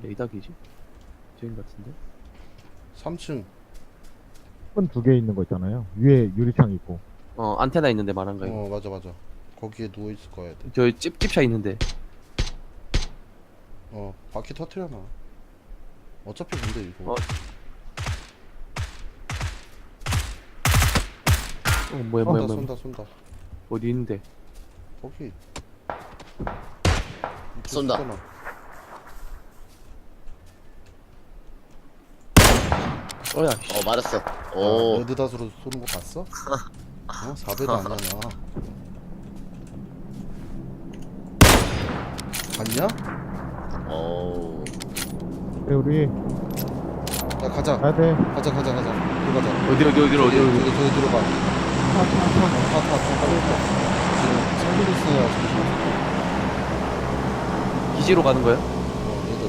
에이닥이지? 저인 같은데? 3층. 큰 두 개 있는 거 있잖아요. 위에 유리창 있고. 안테나 있는데 말한 거 이거. 맞아 맞아. 거기에 누워있을 거야 돼. 저 찝찝차 있는데. 바퀴 터트려놔. 어차피 근데 이거 뭐야. 쏜다. 어디 있는데? 거기 쏜다. 쏘잖아. 씨. 맞았어. 오. 오. 레드닷으로 쏘는 거 봤어? 4배도 아니야. 봤냐? 오. 그래, 우리 야 가자. 가야 돼. 가자. 들어가자. 어디로? 저기 들어가. 타. 지금 살리고 있어야 기지로 가는 거야? 얘들.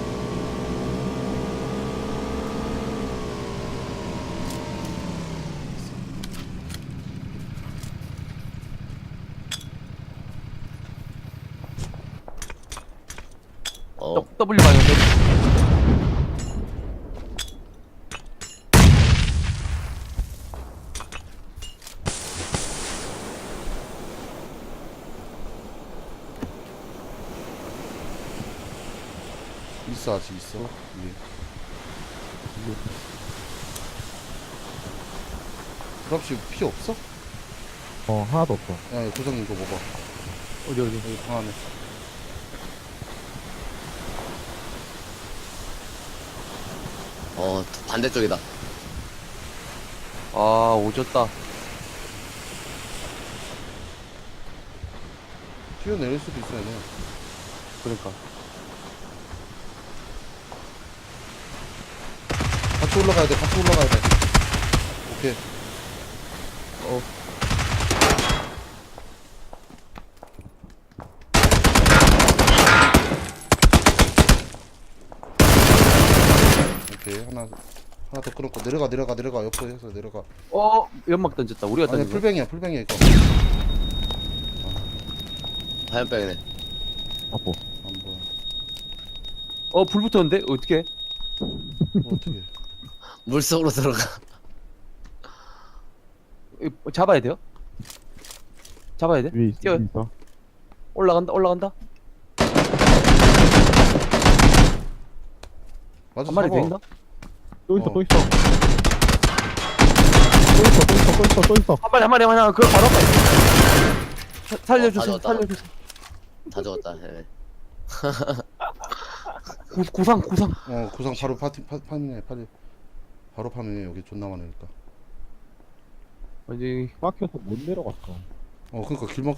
W 방향. 있어 아직 있어. 위에. 드랍십 피 없어? 하나도 없어. 야 고정 이거 먹어. 어디? 여기 방 안에. 반대쪽이다. 아, 오졌다. 뛰어내릴 수도 있어 얘네. 그러니까. 같이 올라가야 돼. 오케이. 오케이 하나 더 끊었고 내려가 옆으로 해서 내려가. 연막 던졌다. 우리가 아니 던진 거야? 풀뱅이야 이거. 화염병이네. 아고. 안 보여. 불 붙었는데? 어떻게? 어떻게? 물속으로 들어가. 잡아야 돼요? 잡아야 돼? 위에 있어. 뛰어. 위에 있어. 올라간다. 맞아. 한 마리 더 잡아. 있나? 또 있어. 어. 또 있어. 또 있어. 한 마리 하나. 그거 바로 앞에. 살려주세요. 다 살려주세요. 다 죽었다. 예. 구상. 구상 바로 파밍해 빨리. 바로 파밍해. 여기 존나 많으니까. 아니 막혀서 못 내려갔어. 그러니까 길막